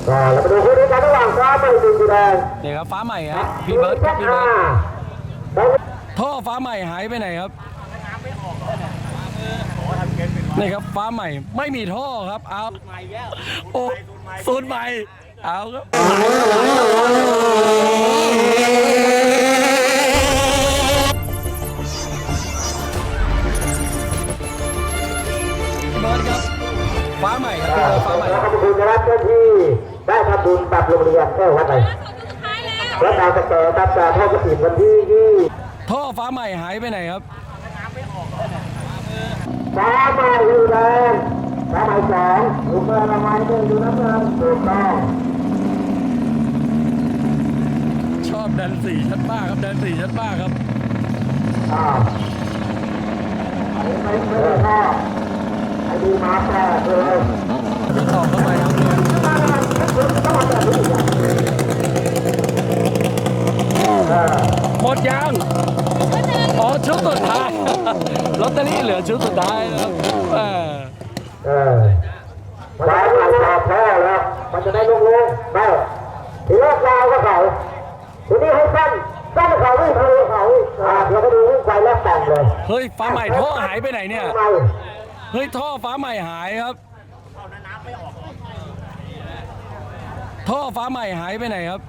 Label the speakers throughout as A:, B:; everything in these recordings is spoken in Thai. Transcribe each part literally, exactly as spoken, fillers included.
A: ก็เราไปดูคู่นี้กันระหว่างฟ้าใหม่สีแดง
B: นี่ครับฟ้าใหม่ครับพี่เบิร์ดครับพี่เบิร์ดท่อฟ้าใหม่หายไปไหนครับนี่ครับฟ้าใหม่ไม่มีท่อครับเอาโอ้สูตรใหม่เอาครับเบิร์ดครับฟ้าใหม่ครับฟ้าใหม่
A: ขอบคุณนะครับเจ้าที่ได้ทำบุญกับโรงเรียนแก้ววัดไหนวัดดาวตะแกตัดจากท่อกระถิ่นวันที่ยี่
B: ท่อฟ้าใหม่หายไปไหนครับ
A: ฟ้าใหม่อยู่แดงฟ้าใหม่สองอยู่เบอร์ละไม้หนึ่งอยู่น้ำเงินถูกต้อง
B: ชอบดันสี่ชัดมากครับดันสี่ชัดมากครับ
A: อ่าอันนี้ไม่ไม่ได้ท่อไอ้ดีมาแปดเลย
B: นี่ต่อเข้าไปครับหมดยังอ๋อชุดสุดท้ายลอตเตอรี่เหลือชุดสุดท้ายแล้วเออ
A: เออมันได้ใหม่ต่อแพ้แล้วมันจะได้ลงลงได้ทีแรกยาวก็เขาทีนี้ให้สั้นสั้นเขาไม่ทะลุเขาอ่าเดี๋ยวก็ดูวิ่งไปแล้วแต่งเลย
B: เฮ้ยฟ้าใหม่ท่อหายไปไหนเนี่ยเฮ้ยท่อฟ้าใหม่หายครับท่อฟ้าใหม่หายไปไหนครับ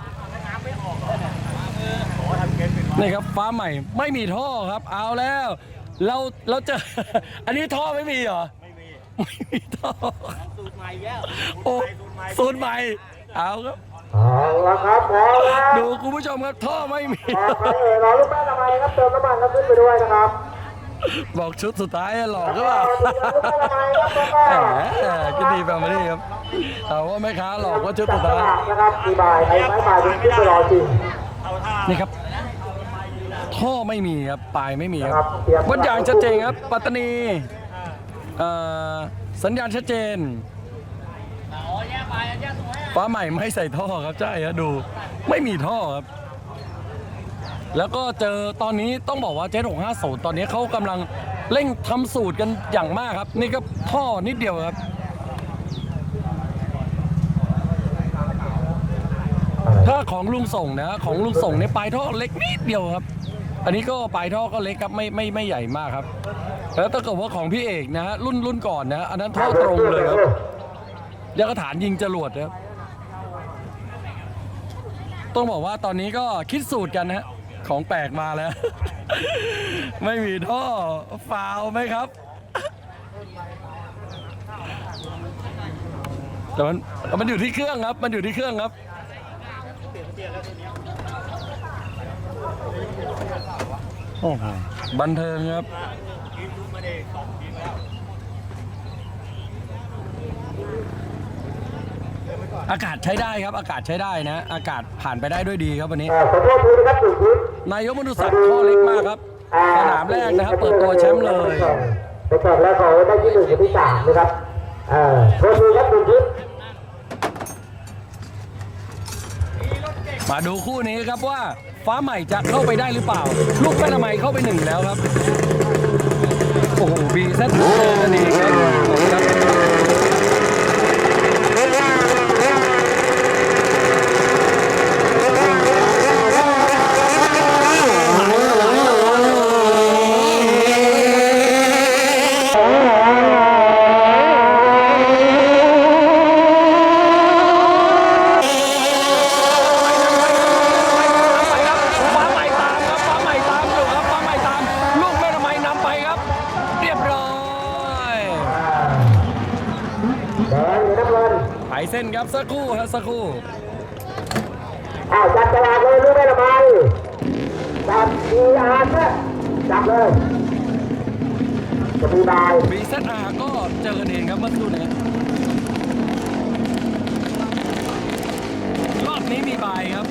B: นี่ครับฟ้าใหม่ไม่มีท่อครับเอาแล้วเราเราเจออันนี้ท่อไม่มีเหรอไม่มีไม่มีท่อสูตรใหม่แล้วโอ้สูตรใหม่เอาครับ
A: เอาละครับพอแล้ว
B: ดูคุณผู้ชมครับท่อไม่มี
A: รอลูกแม่ทำไมครับเติมน้ำมันครับขึ้นไปด้วยนะครับ
B: บอกชุดสุดท้ายหลอกก็เปล่าก็ดีแบบนี้ครับแต่ว่าแม่ค้าหลอกว่าชุดสุดท้าย
A: นะครับดีบายไอ้ไม้บายดูขึ้นไปรอจริง
B: นี่ครับท่อไม่มีครับปลายไม่มีครับวัดอย่างชัดเจนครับปัตตานีสัญญาณชัดเจนฟ้าใหม่ไม่ใส่ท่อครับใช่ครับดูไม่มีท่อครับแล้วก็เจอตอนนี้ต้องบอกว่าเจ็ดหกห้าศูนย์ตอนนี้เขากำลังเร่งทำสูตรกันอย่างมากครับนี่ก็ท่อนิดเดียวครับถ้าของลุงส่งนะของลุงส่งในปลายท่อเล็กนิดเดียวครับอันนี้ก็ปลายท่อก็เล็กครับไม่ไม่ไม่ใหญ่มากครับแล้วถ้าเกิดว่าของพี่เอกนะฮะรุ่นรุ่นก่อนนะอันนั้นท่อตรงเลยครับยังกระฐานยิงจรวดครับต้องบอกว่าตอนนี้ก็คิดสูตรกันนะของแปลกมาแล้วไม่มีท่อฟาวไหมครับแต่มันมันอยู่ที่เครื่องครับมันอยู่ที่เครื่องครับโอ้โหบันเทิงครับอากาศใช้ได้ครับอากาศใช้ได้นะอากาศผ่านไปได้ด้วยดีครับวันนี้นายกมนุษย์ศักดิ์ข้อเล็กมากครับสนามแรกนะครับเปิดตัวแชมป์เลย
A: ไปแข่งแล้วเขาได้ที่หนึ่งกับที่สามนะครับอ่าโทษทีครับคุณทิพย์
B: มาดูคู่นี้ครับว่าฟ้าใหม่จะเข้าไปได้หรือเปล่าลูกแม่ละไมเข้าไปหนึ่งแล้วครับโอ้โหบีเซตเจอกันเองครับเส้นครับสักครู่ฮะสักครู่
A: อ้าวจับตลาดเลยรู้ไหมละไมจับดีอาร์เนี่ยจับเลยจะมีบาย
B: บีเซตอาร์ก็เจอกันเองครับเมื่อสักครู่นี้รอบนี้มีบายครับ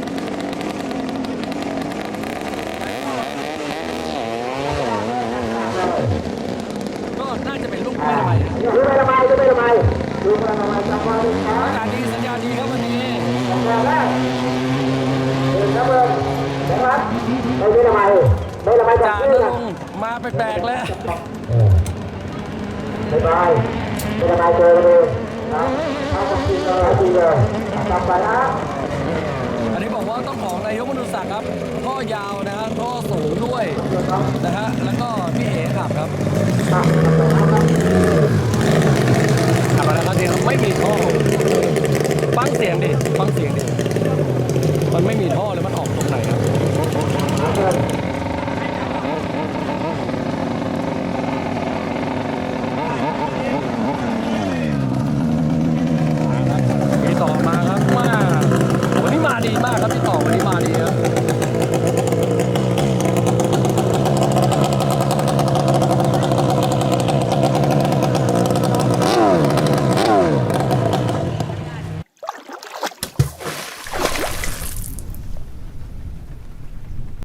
B: ก็น่าจะเป็นลูกไม่ละไม
A: รู้ไหมละไมรู้ไหมละไมรู้ไหมละไมจับไว้
B: อากาศดีสัญญาณดีครับวันนี้
A: สัญญาณแรกเดินครับเดินนะครับไม่รู้ละไมไม่ละไมจับ
B: เลยมาแปลกๆแล้ว
A: ไม่บายไม่ละไมเจอกันเลยเอาของจริงเลยดีเลยต่อไปนะ
B: อันนี้บอกว่าต้องของนายกมนุษย์ศักดิ์ครับท่อยาวนะฮะท่อสูงด้วยนะฮะแล้วก็พี่เอ๋ขับครับ
A: อ่ะ